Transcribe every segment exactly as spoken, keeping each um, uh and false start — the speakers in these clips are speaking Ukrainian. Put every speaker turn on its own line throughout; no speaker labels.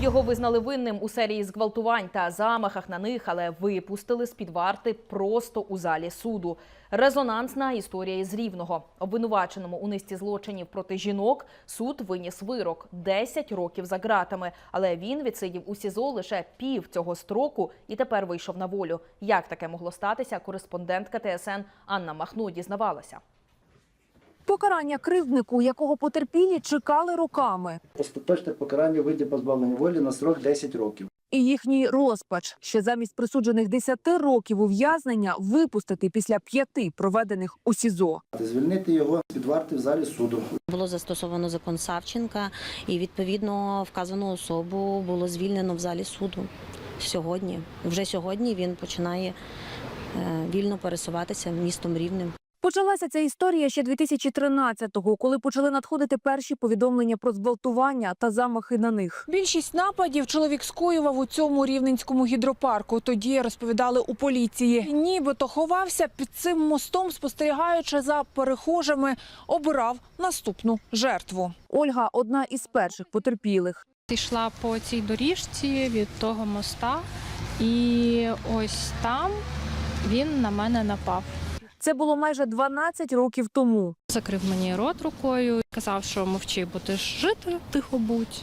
Його визнали винним у серії зґвалтувань та замахах на них, але випустили з-під варти просто у залі суду. Резонансна історія із Рівного. Обвинуваченому у низці злочинів проти жінок суд виніс вирок – десять років за ґратами. Але він відсидів у СІЗО лише пів цього строку і тепер вийшов на волю. Як таке могло статися, кореспондентка Т С Н Анна Махно дізнавалася.
Покарання кривднику, якого потерпілі чекали роками.
Остаточне покарання у виді позбавлення волі на срок десять років.
І їхній розпач, ще замість присуджених десяти років ув'язнення випустити після п'яти проведених у СІЗО.
Звільнити його з-під варти в залі суду.
Було застосовано закон Савченка і, відповідно, вказану особу було звільнено в залі суду сьогодні. Вже сьогодні він починає вільно пересуватися містом Рівнем.
Почалася ця історія ще дві тисячі тринадцятого, коли почали надходити перші повідомлення про зґвалтування та замахи на них. Більшість нападів чоловік скоював у цьому рівненському гідропарку. Тоді розповідали у поліції. Нібито ховався під цим мостом, спостерігаючи за перехожими, обирав наступну жертву. Ольга – одна із перших потерпілих.
Йшла по цій доріжці від того моста, і ось там він на мене напав.
Це було майже дванадцять років тому.
Закрив мені рот рукою, казав, що мовчи, будеш жити, тихо будь.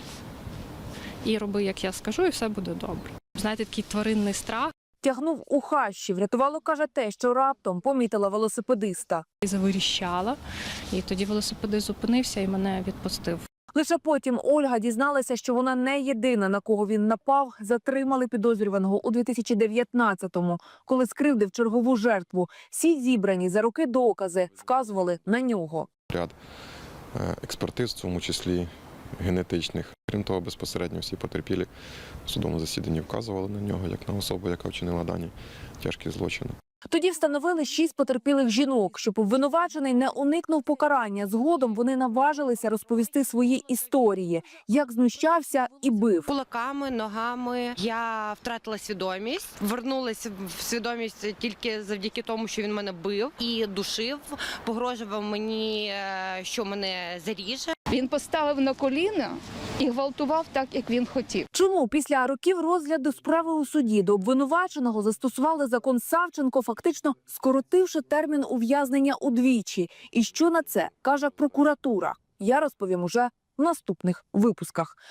І роби, як я скажу, і все буде добре. Знаєте, такий тваринний страх.
Тягнув у хащі. Врятувало, каже, те, що раптом помітила велосипедиста.
І завиріщала, і тоді велосипедист зупинився і мене відпустив.
Лише потім Ольга дізналася, що вона не єдина, на кого він напав. Затримали підозрюваного у дві тисячі дев'ятнадцятому, коли скривдив чергову жертву. Всі зібрані за роки докази вказували на нього.
Ряд експертиз, в тому числі генетичних. Крім того, безпосередньо всі потерпілі в судовому засіданні вказували на нього як на особу, яка вчинила дані тяжкі злочини.
Тоді встановили шість потерпілих жінок, щоб обвинувачений не уникнув покарання. Згодом вони наважилися розповісти свої історії, як знущався і бив.
Кулаками, ногами я втратила свідомість, вернулася в свідомість тільки завдяки тому, що він мене бив і душив, погрожував мені, що мене заріже.
Він поставив на коліна і гвалтував так, як він хотів.
Чому після років розгляду справи у суді до обвинуваченого застосували закон Савченко, фактично скоротивши термін ув'язнення удвічі? І що на це каже прокуратура? Я розповім уже в наступних випусках.